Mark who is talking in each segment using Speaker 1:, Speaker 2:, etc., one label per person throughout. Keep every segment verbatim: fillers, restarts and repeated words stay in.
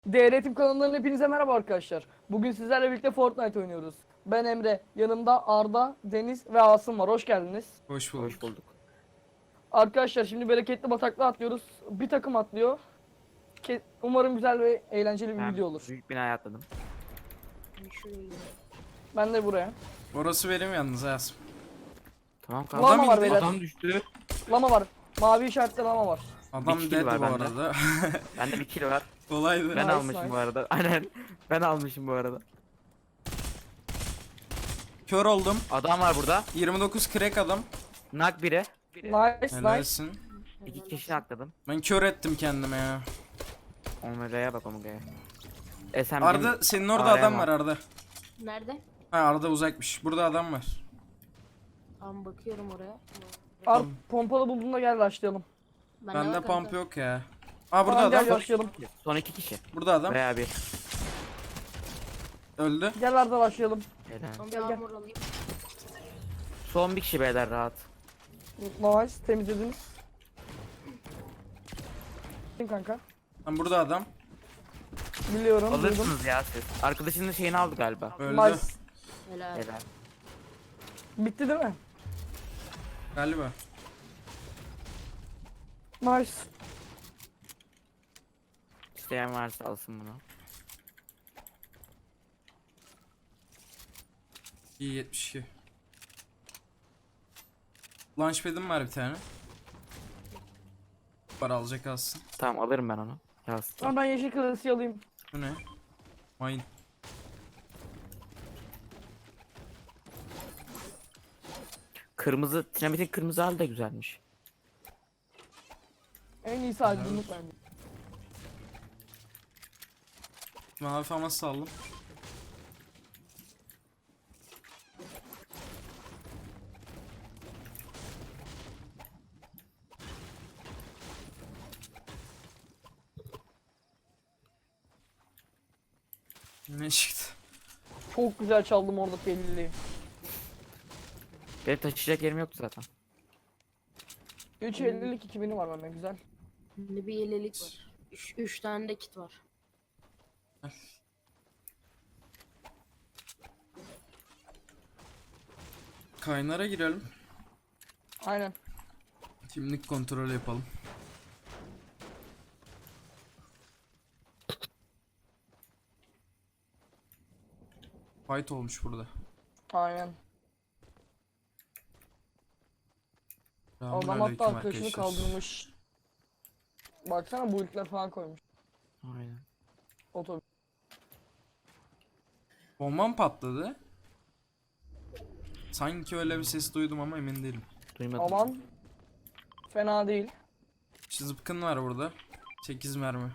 Speaker 1: D R Team kanalından hepinize merhaba arkadaşlar. Bugün sizlerle birlikte Fortnite oynuyoruz. Ben Emre, yanımda Arda, Deniz ve Asım var. Hoş geldiniz.
Speaker 2: Hoş bulduk.
Speaker 3: Hoş bulduk.
Speaker 1: Arkadaşlar şimdi bereketli bataklığa atlıyoruz. Bir takım atlıyor. Ke- Umarım güzel ve eğlenceli bir
Speaker 3: Ben
Speaker 1: video olur.
Speaker 3: büyük binaya atladım.
Speaker 1: Ben de buraya.
Speaker 2: Orası benim yalnız Asım.
Speaker 3: Tamam
Speaker 1: Lama
Speaker 3: kanka.
Speaker 1: var
Speaker 2: indi.
Speaker 1: beyler.
Speaker 3: Adam düştü.
Speaker 1: Lama var. Mavi işaretli lama var.
Speaker 2: Adam
Speaker 3: Bir kill
Speaker 2: dead
Speaker 3: var
Speaker 2: bu
Speaker 3: bende.
Speaker 2: arada.
Speaker 3: Bende bir kill var.
Speaker 2: Kolaydı.
Speaker 3: Ben
Speaker 1: Nice,
Speaker 3: almışım
Speaker 1: nice.
Speaker 3: bu arada. Aynen. Ben almışım bu arada.
Speaker 2: Kör oldum.
Speaker 3: Adam var burada.
Speaker 2: yirmi dokuz crack adam.
Speaker 3: Nak biri.
Speaker 1: Nice nice.
Speaker 2: Helalsin.
Speaker 3: İki kişi nakladım.
Speaker 2: Ben kör ettim kendime ya.
Speaker 3: Omega'ya bak Omega'ya. E sen
Speaker 2: Arda
Speaker 3: benim-
Speaker 2: senin orada
Speaker 3: Araya
Speaker 2: adam
Speaker 3: bak.
Speaker 2: var Arda.
Speaker 4: Nerede?
Speaker 2: Ha Arda uzakmış. Burada adam var.
Speaker 4: Tamam bakıyorum oraya.
Speaker 1: Ar pompalı bulduğunda gel başlayalım.
Speaker 4: Ben
Speaker 2: Bende pump yok ya. Aa burada
Speaker 1: Tamam,
Speaker 2: adam.
Speaker 1: gel başlayalım.
Speaker 3: Son iki kişi.
Speaker 2: Burada adam.
Speaker 3: Veya bir.
Speaker 2: Öldü.
Speaker 1: Gel Arda başlayalım.
Speaker 3: Helal.
Speaker 4: Son bir
Speaker 1: Gel, gel.
Speaker 4: armor alayım.
Speaker 3: Son bir kişi beyler rahat.
Speaker 1: Nice temizlediniz. Kim kanka?
Speaker 2: Lan burada adam.
Speaker 1: Biliyorum. duydum.
Speaker 3: Alırsınız ya siz. Arkadaşının şeyini aldı galiba.
Speaker 2: Öldü.
Speaker 1: Nice.
Speaker 4: Helal.
Speaker 3: Helal.
Speaker 1: Bitti değil mi?
Speaker 2: Galiba.
Speaker 1: Nice.
Speaker 3: İsteyen varsa alsın bunu.
Speaker 2: İyi yetmiş iki. Launchpad'im var bir tane. Var alacak alsın.
Speaker 3: Tamam alırım ben onu. Yaz.
Speaker 1: Tamam ben yeşil klasiği alayım.
Speaker 2: Bu ne? Mine.
Speaker 3: Kırmızı, dinamitin kırmızı hali de güzelmiş.
Speaker 1: En iyisi aydınlık bence.
Speaker 2: Mavi famas saldım. Ne çıktı?
Speaker 1: Çok güzel çaldım orada peliliği.
Speaker 3: Benim taşıyacak yerim yoktu zaten.
Speaker 1: üç ellilik iki bini var bende güzel.
Speaker 4: Şimdi bir yelelik var. Üç, üç tane de kit var.
Speaker 2: Kaynara girelim.
Speaker 1: Aynen.
Speaker 2: Kimlik kontrolü yapalım. Fight olmuş burada.
Speaker 1: Aynen. Adam hatta
Speaker 2: Selamünaleyküm
Speaker 1: arkadaşını
Speaker 2: arkadaşlar.
Speaker 1: kaldırmış. Baksana bu ilkler falan koymuş.
Speaker 3: Aynen.
Speaker 1: Otobüs.
Speaker 2: Bombam patladı. Sanki öyle bir ses duydum ama emin değilim.
Speaker 3: Duymadım.
Speaker 1: Aman. Fena değil.
Speaker 2: İşte zıpkın var burada. sekiz mermi.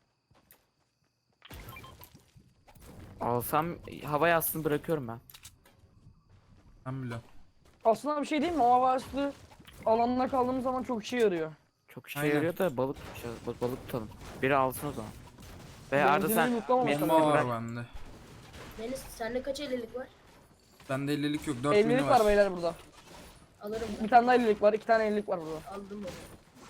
Speaker 3: Alsam havaya aslında bırakıyorum ben.
Speaker 2: Ben biliyorum.
Speaker 1: Aslında bir şey değil mi? O havaslı alanına kaldığımız zaman çok işe yarıyor.
Speaker 3: Çok işe
Speaker 2: Aynen.
Speaker 3: yarıyor da balık tutacağız. Bal- balık tutalım. Biri alsın o zaman. Ve
Speaker 1: Benzinini
Speaker 3: Arda sen
Speaker 1: mutlamamış
Speaker 3: benim-
Speaker 1: tabii.
Speaker 2: Bomba var
Speaker 3: bırak.
Speaker 2: bende.
Speaker 4: Deniz sende kaç ellilik var?
Speaker 2: Bende ellilik yok. dört
Speaker 1: ellilik
Speaker 2: mini
Speaker 1: var
Speaker 2: var.
Speaker 1: beyler burada.
Speaker 4: Alırım
Speaker 1: Bir
Speaker 4: ben.
Speaker 1: tane daha ellilik var. iki tane ellilik var burada.
Speaker 4: Aldım bunu.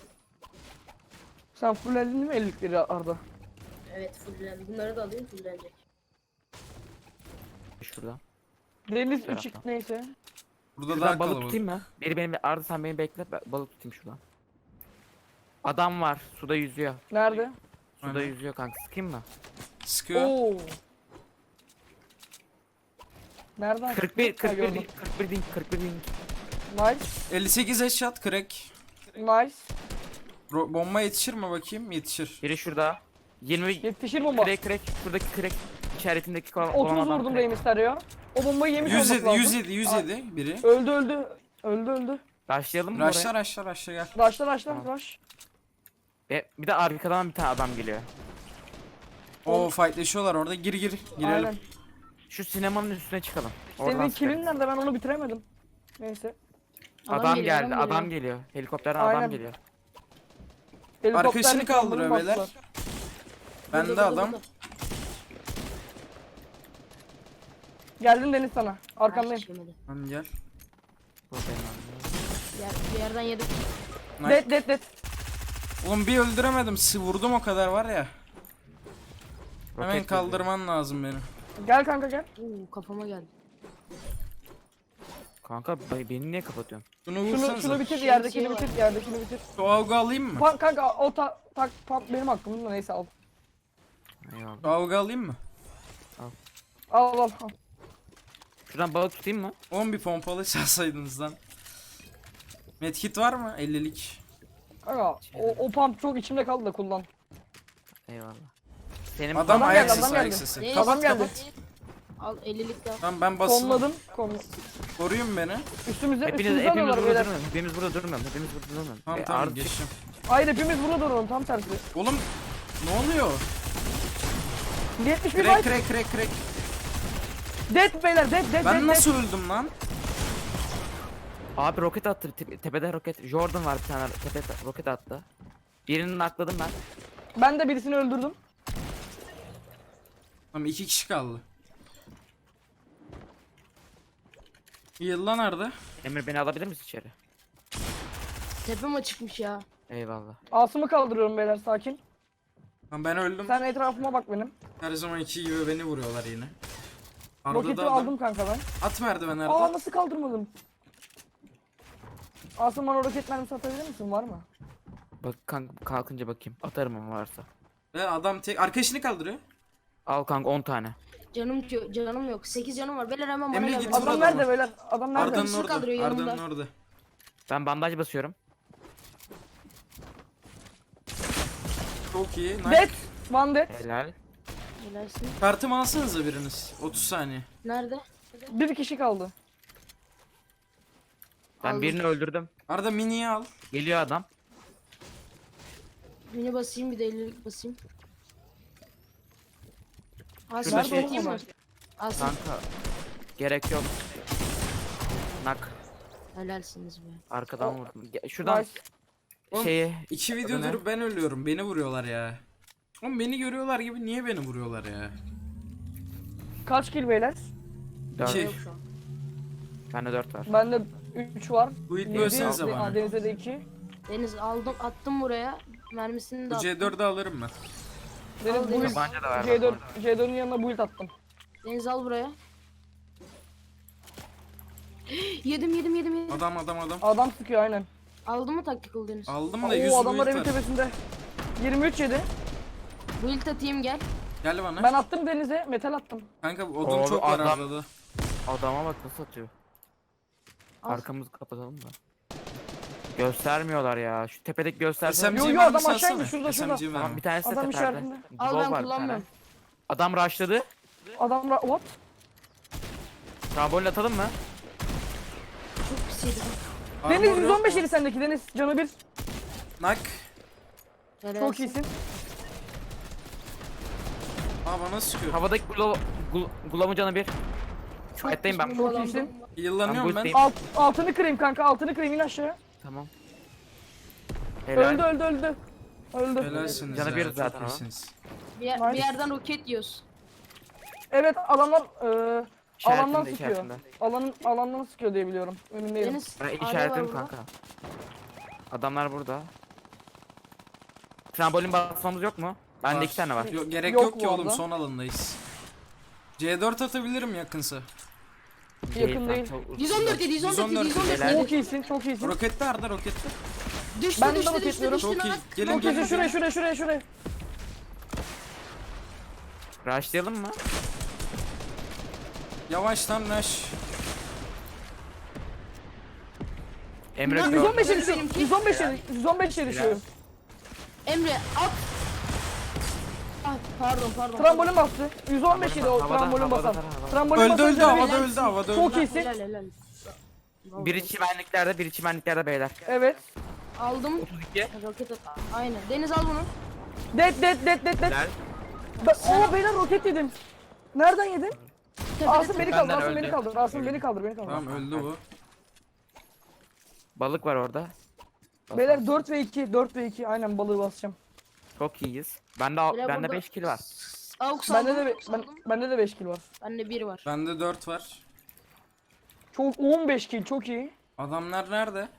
Speaker 1: Sen fullendin değil mi ellilikleri Arda?
Speaker 4: Evet fullen. Bunları da alayım fullenecek.
Speaker 3: şurada.
Speaker 1: Deniz
Speaker 3: Taraftan.
Speaker 1: üç x neyse.
Speaker 2: Burada
Speaker 3: Şuradan
Speaker 2: daha
Speaker 3: balık
Speaker 2: kalabalık.
Speaker 3: tutayım mı? Biri benim Arda sen beni bekle ben balık tutayım şuradan. Adam var suda yüzüyor.
Speaker 1: Nerede?
Speaker 3: Suda
Speaker 2: Aynen.
Speaker 3: yüzüyor kanka sıkayım mı?
Speaker 2: Sıkıyor.
Speaker 1: Oo. Nereden?
Speaker 3: kırk bir
Speaker 1: Ha,
Speaker 3: kırk bir
Speaker 1: gördüm.
Speaker 3: ding kırk bir ding kırk bir ding.
Speaker 1: Nice.
Speaker 2: elli sekiz headshot crack.
Speaker 1: Nice.
Speaker 2: Ro- bomba yetişir mi bakayım? Yetişir.
Speaker 3: Biri şurada. yirmi
Speaker 1: Yetişir bomba.
Speaker 3: crack crack şuradaki crack işaretindeki kol- olan
Speaker 1: otuz
Speaker 3: adam
Speaker 1: vurdum
Speaker 3: crack.
Speaker 1: Rey Mysterio. O bombayı yemiş
Speaker 2: yüz
Speaker 1: olması
Speaker 2: yedi,
Speaker 1: lazım.
Speaker 2: yüz yedi, yüz yedi biri.
Speaker 1: Öldü öldü. Öldü öldü.
Speaker 3: Başlayalım mı
Speaker 2: Raşla
Speaker 3: oraya?
Speaker 2: raşla raşla gel.
Speaker 1: Raşla raşla
Speaker 3: Tamam.
Speaker 1: raş.
Speaker 3: Ve bir de arkadan bir tane adam geliyor.
Speaker 2: Oo fightleşiyorlar orada. Gir gir. Girelim.
Speaker 1: Aynen.
Speaker 3: Şu sinemanın üstüne çıkalım. Oradan
Speaker 1: Senin
Speaker 3: sıkarız.
Speaker 1: killin nerede? Ben onu bitiremedim. Neyse.
Speaker 3: Adam,
Speaker 4: geliyor,
Speaker 3: geldi, adam geliyor. Helikopterden
Speaker 1: Aynen.
Speaker 3: adam geliyor.
Speaker 1: Helikopterle
Speaker 2: Arkadaşını kaldırıyor
Speaker 1: kaldırım
Speaker 2: beyler.
Speaker 1: bastılar.
Speaker 2: Bende
Speaker 4: Burada, burada,
Speaker 2: adam.
Speaker 4: burada.
Speaker 1: Geldim Deniz sana.
Speaker 4: Ha,
Speaker 1: Arkandayım.
Speaker 4: yemedi.
Speaker 2: Lan gel.
Speaker 3: Buradayım abi.
Speaker 4: Yer, bir yerden yedik.
Speaker 2: Nice.
Speaker 1: Dead dead dead.
Speaker 2: Oğlum bir öldüremedim. Sı vurdum o kadar var ya. Hemen
Speaker 3: Roket
Speaker 2: kaldırman lazım beni.
Speaker 1: Gel kanka gel.
Speaker 4: Oo, kafama geldi.
Speaker 3: Kanka be- beni niye kapatıyorsun?
Speaker 2: Şunu
Speaker 1: Şunu
Speaker 2: vursanıza.
Speaker 1: şunu bitir,
Speaker 4: Şey-
Speaker 1: yerdekini
Speaker 4: şey var.
Speaker 1: bitir, yerdekini bitir.
Speaker 2: Şu avga alayım mı?
Speaker 1: Pa kanka o ta tak pump benim hakkımda, neyse al.
Speaker 3: Eyvallah.
Speaker 2: Şu avga alayım mı?
Speaker 1: Al al al.
Speaker 3: Şuradan balık tutayım mı?
Speaker 2: on bir pompalı çalsaydınız lan. Medkit var mı? ellilik.
Speaker 1: Kanka o, o pump çok içimde kaldı da kullan.
Speaker 3: Eyvallah. Senin
Speaker 2: Adam
Speaker 1: Adam
Speaker 2: ayak
Speaker 1: geldi,
Speaker 2: sesi
Speaker 1: adam
Speaker 2: ayak
Speaker 1: geldi.
Speaker 2: sesi.
Speaker 4: Ne?
Speaker 2: Kapat
Speaker 1: Adam geldi.
Speaker 2: kapat.
Speaker 4: Al ellilik de al.
Speaker 2: Tamam ben basılı.
Speaker 1: Konladım. Kon
Speaker 2: Koruyun beni.
Speaker 1: üstümüzde
Speaker 3: hepiniz
Speaker 1: üstümüzde
Speaker 3: hepimiz
Speaker 1: alıyorlar
Speaker 3: burada
Speaker 1: beyler.
Speaker 3: durmayalım. Hepimiz burada durmayalım. Hepimiz burada durmayalım.
Speaker 2: Tamam
Speaker 3: E,
Speaker 2: tamam
Speaker 3: Arda-
Speaker 2: geçeceğim.
Speaker 1: Hayır hepimiz burada duralım, tam tersi.
Speaker 2: Oğlum ne oluyor?
Speaker 1: yetmiş bir
Speaker 2: Crack
Speaker 1: byte.
Speaker 2: crack crack crack.
Speaker 1: Dead beyler, dead dead
Speaker 2: Ben
Speaker 1: dead.
Speaker 2: nasıl öldüm lan?
Speaker 3: Abi roket attı. Te- tepede roket. Jordan var bir tane tepede roket attı. Birini nakladım ben.
Speaker 1: dead. Ben de birisini öldürdüm.
Speaker 2: Tamam iki kişi kaldı. Yılla nerede?
Speaker 3: Emir beni alabilir misin içeri?
Speaker 4: Tepem açıkmış ya.
Speaker 3: Eyvallah.
Speaker 1: Asım'ı kaldırıyorum beyler, sakin.
Speaker 2: Tamam ben öldüm.
Speaker 1: Sen etrafıma bak benim.
Speaker 2: Her zamanki gibi beni vuruyorlar yine. Arda
Speaker 1: Roketi
Speaker 2: da adam.
Speaker 1: aldım kanka ben.
Speaker 2: At merdiven
Speaker 1: Aa
Speaker 2: Arda.
Speaker 1: nasıl kaldırmadım? Asım bana roket mermisi atabilir misin, var mı?
Speaker 3: Bak kanka kalkınca bakayım. Atarım ama varsa.
Speaker 2: Ve adam tek arkadaşını kaldırıyor.
Speaker 3: Al kanka on tane.
Speaker 4: Canım yo- canım yok. sekiz canım var. Beyler hemen bana
Speaker 2: Emre
Speaker 4: gelin.
Speaker 2: git
Speaker 1: Adam
Speaker 2: Burada
Speaker 1: nerede
Speaker 2: mı?
Speaker 1: beyler? Adam nerede?
Speaker 2: Arda'nın
Speaker 4: Birisi
Speaker 2: orada.
Speaker 4: kaldırıyor
Speaker 2: Arda'nın
Speaker 4: yanımda.
Speaker 2: orada.
Speaker 3: Ben bandaj basıyorum.
Speaker 2: Çok iyi. Nice.
Speaker 1: Dead. One dead.
Speaker 3: Helal.
Speaker 4: Helalsin.
Speaker 2: Kartımı alsanıza biriniz. otuz saniye.
Speaker 4: Nerede?
Speaker 1: Bir kişi kaldı.
Speaker 3: Ben
Speaker 4: Aldım.
Speaker 3: birini öldürdüm.
Speaker 2: Arda miniyi al.
Speaker 3: Geliyor adam.
Speaker 4: Birini basayım bir de ellilik basayım.
Speaker 3: Şurada
Speaker 4: Asım
Speaker 3: şey-
Speaker 4: bakayım mı? Asım.
Speaker 3: Kanka. Gerek yok. Nak.
Speaker 4: Helalsiniz be.
Speaker 3: Arkadan
Speaker 1: O-
Speaker 3: vurdum. Ge- Şuradan
Speaker 1: Nice.
Speaker 2: Oğlum,
Speaker 3: şeyi
Speaker 2: İki
Speaker 3: Adı
Speaker 2: videodur
Speaker 3: ne?
Speaker 2: ben ölüyorum. Beni vuruyorlar ya. Oğlum beni görüyorlar gibi niye beni vuruyorlar ya?
Speaker 1: Kaç kill beyler?
Speaker 3: dört.
Speaker 2: İki.
Speaker 4: Yok şu an.
Speaker 3: Bende dört var.
Speaker 1: Bende üç var.
Speaker 2: Bu it
Speaker 1: Yedi,
Speaker 2: bölsenize
Speaker 1: Aa,
Speaker 2: bana.
Speaker 1: Deniz'de de iki.
Speaker 4: Deniz aldım attım buraya. Mermisini de
Speaker 2: Bu
Speaker 4: attım.
Speaker 2: C dördü alırım ben.
Speaker 1: Deniz
Speaker 4: Al
Speaker 1: build.
Speaker 4: Deniz.
Speaker 3: Tabanca da var.
Speaker 1: C dört,
Speaker 3: bak.
Speaker 1: C dört'ün yanına build attım.
Speaker 4: Deniz al buraya. yedim yedim yedim yedim.
Speaker 2: Adam adam adam.
Speaker 1: Adam sıkıyor aynen.
Speaker 4: Aldın mı tactical Deniz?
Speaker 2: Aldım da yüz
Speaker 1: Oo adamlar evin
Speaker 2: build var.
Speaker 1: tepesinde. yirmi üç yedi.
Speaker 4: Build atayım gel.
Speaker 2: Gel bana.
Speaker 1: Ben attım Deniz'e, metal attım.
Speaker 2: Kanka odun
Speaker 3: Oğlum,
Speaker 2: çok var
Speaker 3: adam-
Speaker 2: Arda'da.
Speaker 3: Adama bak nasıl atıyor.
Speaker 4: Al.
Speaker 3: Arkamızı kapatalım da. Göstermiyorlar ya. Şu tepedeki gösterse.
Speaker 2: S M G
Speaker 1: Yo, yo,
Speaker 2: mermisi
Speaker 1: adam aşağı
Speaker 2: atsana.
Speaker 1: indi, şurada,
Speaker 2: S M G
Speaker 1: şurada.
Speaker 3: Tamam
Speaker 2: mermi.
Speaker 3: bir tanesi de
Speaker 1: Adam
Speaker 3: teperde.
Speaker 1: işaretinde.
Speaker 4: Al
Speaker 3: Glove
Speaker 4: ben
Speaker 3: var bir tane.
Speaker 4: kullanmıyorum.
Speaker 3: Adam rushladı.
Speaker 1: Adam ra- what?
Speaker 3: Trambolin atalım mı?
Speaker 4: Çok pis yedim.
Speaker 1: Deniz
Speaker 2: Armor
Speaker 1: yüz
Speaker 2: yok
Speaker 1: on beş
Speaker 2: mu?
Speaker 1: yedi sendeki Deniz. Canı bir.
Speaker 2: Nak.
Speaker 4: Helalsin.
Speaker 1: Çok iyisin.
Speaker 2: Aa bana sıkıyor.
Speaker 3: Havadaki glove, gl- glove'un canı bir.
Speaker 4: Çok
Speaker 3: Fight'tayım ben.
Speaker 4: pis
Speaker 1: Çok
Speaker 4: bombalandım.
Speaker 1: iyisin.
Speaker 2: Yıllanıyorum
Speaker 3: Ben
Speaker 2: ben.
Speaker 3: bu
Speaker 1: Alt, altını kırayım kanka, altını kırayım, in aşağı.
Speaker 3: Tamam. Helal.
Speaker 1: Öldü öldü öldü. Öldü.
Speaker 2: Helalsiniz
Speaker 3: Canı
Speaker 2: ya.
Speaker 3: bir
Speaker 2: çok
Speaker 3: zaten o.
Speaker 2: iyisiniz.
Speaker 4: Bir, yer-
Speaker 1: Nice.
Speaker 4: bir yerden roket yiyoruz.
Speaker 1: Evet adamlar e, alandan
Speaker 3: İşaretinde,
Speaker 1: sıkıyor.
Speaker 3: işaretinde.
Speaker 1: Alanın alandan sıkıyor diye biliyorum. Önündeyim.
Speaker 4: Deniz.
Speaker 3: Ben
Speaker 4: hala var
Speaker 3: işaretledim
Speaker 4: burada.
Speaker 3: kanka. Adamlar burada. Trambolin basmamız yok mu? Bende
Speaker 2: Var.
Speaker 3: iki tane var.
Speaker 2: Yok, gerek
Speaker 1: Yok
Speaker 2: yok, ki
Speaker 1: bu
Speaker 2: oğlum
Speaker 1: arada.
Speaker 2: son alandayız. C dört atabilirim yakınsa.
Speaker 1: Yakın değil.
Speaker 3: çok-
Speaker 4: yüz on dört yedi, yüz on dört yedi, yüz on dört
Speaker 3: Helal.
Speaker 1: Çok
Speaker 4: yedi.
Speaker 1: iyisin, çok iyisin.
Speaker 2: Rokette Arda rokette.
Speaker 4: Düştü
Speaker 1: Ben de
Speaker 4: düştü düştü
Speaker 1: roketliyorum.
Speaker 4: düştü.
Speaker 2: Çok iyi.
Speaker 4: lan.
Speaker 2: Gelin
Speaker 1: Çok
Speaker 2: gelin.
Speaker 1: iyisin. Şuraya
Speaker 2: gelin.
Speaker 1: şuraya şuraya şuraya.
Speaker 3: Rushlayalım mı?
Speaker 2: Yavaştan rush.
Speaker 3: Emre
Speaker 4: Lan
Speaker 3: gör.
Speaker 1: yüz on beş
Speaker 4: Benimki.
Speaker 1: erişiyor. yüz on beş erişiyor. yüz on beş erişiyor.
Speaker 4: Emre at. Ah, pardon pardon.
Speaker 1: Trambolin bastı. yüz on beş yedi o
Speaker 3: Havada,
Speaker 1: trambolin
Speaker 3: havada,
Speaker 1: basan.
Speaker 3: havada.
Speaker 1: Trambolin
Speaker 2: Öldü
Speaker 1: basan
Speaker 2: öldü
Speaker 1: canı
Speaker 2: havada
Speaker 1: bir.
Speaker 2: öldü havada
Speaker 1: Çok
Speaker 2: öldü.
Speaker 1: iyisin.
Speaker 4: Helal helal.
Speaker 3: Biri çimenliklerde, biri çimenliklerde beyler.
Speaker 1: Evet.
Speaker 4: Aldım.
Speaker 3: otuz iki.
Speaker 4: Roket at. Aynen. Deniz al bunu.
Speaker 1: Dead dead dead dead dead.
Speaker 3: Helal.
Speaker 1: Ben, oo beyler roket yedim. Nereden yedin?
Speaker 4: Tepede
Speaker 1: Asım beni kaldır,
Speaker 3: Benden
Speaker 1: Asım
Speaker 3: öldü.
Speaker 1: beni kaldır, Asım beni kaldır, beni kaldır.
Speaker 2: Tamam öldü bu.
Speaker 3: Balık var orada.
Speaker 1: Beyler dört ve iki, dört ve iki. Aynen balığı basacağım.
Speaker 3: Çok iyiyiz. Bende al-
Speaker 4: Beyler
Speaker 3: bende
Speaker 4: burada-
Speaker 3: beş kill var.
Speaker 4: Aux
Speaker 1: Bende
Speaker 4: aldım.
Speaker 1: de be-
Speaker 4: Aux
Speaker 1: ben,
Speaker 4: aldım.
Speaker 1: bende de beş kill var.
Speaker 4: Bende bir var.
Speaker 2: Bende dört var.
Speaker 1: Çok on beş kill, çok iyi.
Speaker 2: Adamlar nerede?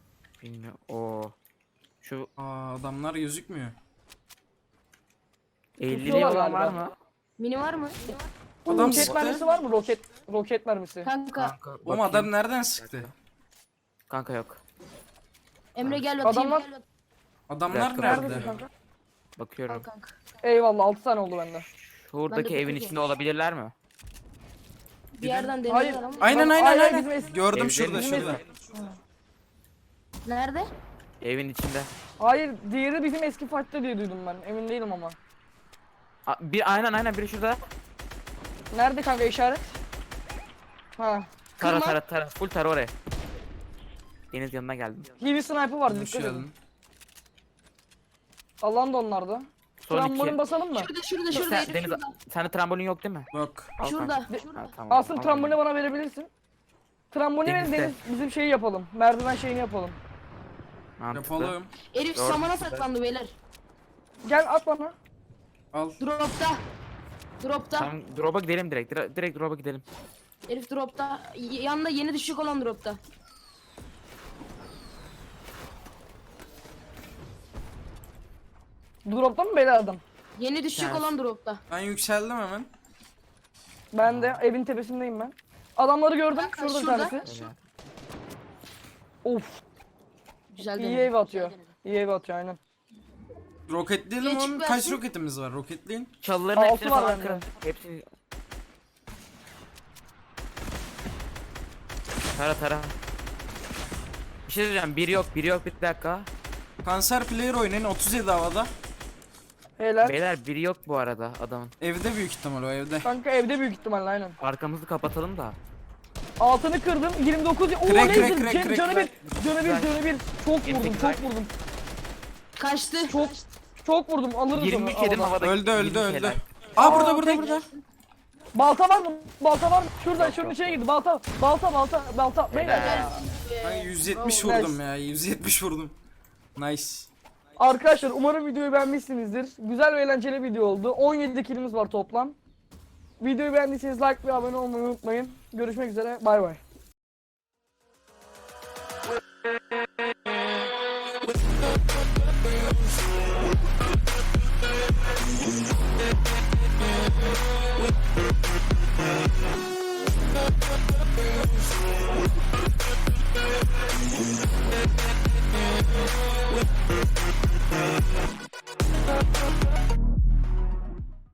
Speaker 3: Bilmiyorum. Oo. Şu
Speaker 2: Aa adamlar gözükmüyor.
Speaker 3: elli
Speaker 1: Tutuyorlar
Speaker 3: olan var
Speaker 1: galiba.
Speaker 3: mı?
Speaker 4: Mini var mı?
Speaker 2: Adam
Speaker 1: roket
Speaker 2: sıktı.
Speaker 1: mermisi var mı? Roket roket mermisi.
Speaker 4: Kanka.
Speaker 3: Kanka,
Speaker 2: Oğlum
Speaker 3: bakayım.
Speaker 2: adam nereden sıktı?
Speaker 3: Kanka yok.
Speaker 4: Emre gel bakayım.
Speaker 1: Adamlar-
Speaker 4: Gel
Speaker 2: Adamlar
Speaker 3: dakika,
Speaker 2: nerede?
Speaker 1: Neredesin kanka?
Speaker 3: Bakıyorum.
Speaker 4: kanka.
Speaker 1: Eyvallah altı tane oldu bende.
Speaker 3: Şuradaki
Speaker 4: Ben de
Speaker 3: evin
Speaker 4: bakacağım.
Speaker 3: içinde olabilirler mi?
Speaker 4: Bir yerden
Speaker 1: Hayır.
Speaker 4: deniyorlar ama.
Speaker 2: Aynen
Speaker 1: Bak,
Speaker 2: aynen
Speaker 1: ay, ay,
Speaker 2: aynen.
Speaker 1: bizim eski-
Speaker 2: Gördüm
Speaker 3: Evlerin
Speaker 2: şurada
Speaker 3: içinde.
Speaker 2: şurada.
Speaker 4: Nerede?
Speaker 3: Evin içinde.
Speaker 1: Hayır diğeri bizim eski fight'ta diye duydum ben. Emin değilim ama.
Speaker 3: A, bir aynen aynen biri şurada.
Speaker 1: Nerede kanka işaret? Ha.
Speaker 3: Tara
Speaker 4: Kırma.
Speaker 3: tara tara. Full tara oraya. Deniz yanına geldim.
Speaker 1: Heavy sniper vardı
Speaker 2: Hoş
Speaker 1: dikkat edin.
Speaker 2: geldin.
Speaker 1: Allah'ın da onlarda.
Speaker 3: Son
Speaker 1: Trambolin
Speaker 3: iki.
Speaker 1: basalım mı?
Speaker 4: Şurada şurada şurada.
Speaker 3: Sen,
Speaker 4: herif
Speaker 3: Deniz,
Speaker 4: şurada.
Speaker 3: sende trambolin yok değil mi?
Speaker 2: Yok.
Speaker 3: Al
Speaker 4: Şurada.
Speaker 3: kanka.
Speaker 4: Şurada.
Speaker 3: Ha, tamam,
Speaker 1: Asıl
Speaker 3: al
Speaker 1: trambolini bana verebilirsin. Trambolini verin
Speaker 3: Denizde.
Speaker 1: Deniz bizim şeyi yapalım. Merdiven şeyini yapalım.
Speaker 3: Mantıklı.
Speaker 2: Yapalım.
Speaker 4: Herif
Speaker 3: Doğru.
Speaker 4: samana saklandı beyler.
Speaker 1: Gel at bana.
Speaker 2: Al.
Speaker 4: Dropta. Dropta.
Speaker 3: Tamam drop'a gidelim direkt. Direkt, direkt drop'a gidelim.
Speaker 4: Herif dropta. Y- Yanında yeni düşük olan dropta.
Speaker 1: Dropta mı beyler adam?
Speaker 4: Yeni düşük
Speaker 3: Yani.
Speaker 4: olan dropta.
Speaker 2: Ben yükseldim hemen.
Speaker 1: Ben de evin tepesindeyim ben. Adamları gördüm.
Speaker 4: Kanka,
Speaker 1: Şurada bir
Speaker 4: şurada.
Speaker 1: tanesi.
Speaker 3: Öyle.
Speaker 1: Of.
Speaker 4: Güzel
Speaker 1: İyi
Speaker 4: denedi,
Speaker 1: ev
Speaker 4: güzel
Speaker 1: atıyor.
Speaker 4: denedi.
Speaker 1: İyi ev atıyor aynen.
Speaker 2: Roketleyelim
Speaker 4: Geç
Speaker 2: oğlum.
Speaker 4: versin.
Speaker 2: Kaç roketimiz var? Roketleyin.
Speaker 3: Çalıların
Speaker 1: Altı
Speaker 3: hepsini
Speaker 1: var
Speaker 3: falan
Speaker 1: bende.
Speaker 3: kırın. Hepsini... Tara tara. Bir şey diyeceğim. Biri yok, biri yok. Bir dakika.
Speaker 2: Kanser player oynayın. otuz yedi havada.
Speaker 1: Beyler.
Speaker 3: Beyler biri yok bu arada adamın.
Speaker 2: Evde büyük ihtimal o evde.
Speaker 1: Kanka evde büyük ihtimalle aynen.
Speaker 3: Arkamızı kapatalım da.
Speaker 1: Altını kırdım. yirmi dokuz. Oo
Speaker 2: Crack,
Speaker 1: laser.
Speaker 2: crack, crack,
Speaker 1: Can-
Speaker 2: crack,
Speaker 1: Canı bir.
Speaker 2: crack.
Speaker 1: Canı bir. Canı bir. Çok
Speaker 3: yirmi
Speaker 1: vurdum.
Speaker 3: sekiz
Speaker 1: Çok
Speaker 3: like.
Speaker 1: vurdum.
Speaker 4: Kaçtı.
Speaker 1: Çok çok vurdum. Alırız
Speaker 3: yirmi üç
Speaker 1: onu.
Speaker 3: yedim
Speaker 1: havada.
Speaker 3: havada.
Speaker 2: Öldü öldü
Speaker 3: yirmi
Speaker 2: öldü.
Speaker 3: helal.
Speaker 2: Aa burada
Speaker 1: Aa,
Speaker 2: burada
Speaker 1: tek-
Speaker 2: burada.
Speaker 1: Balta var mı? Balta var mı? Şurada
Speaker 3: Yok,
Speaker 1: şunun
Speaker 3: yok,
Speaker 1: içine girdi. Balta. Balta balta balta. Beyler.
Speaker 3: Helal.
Speaker 2: Ben yüz yetmiş
Speaker 1: Bravo.
Speaker 2: vurdum ya. yüz yetmiş vurdum. Nice.
Speaker 1: Arkadaşlar umarım videoyu beğenmişsinizdir. Güzel ve eğlenceli video oldu. on yedi kilimiz var toplam. Videoyu beğendiyseniz like ve abone olmayı unutmayın. Görüşmek üzere. Bay bay.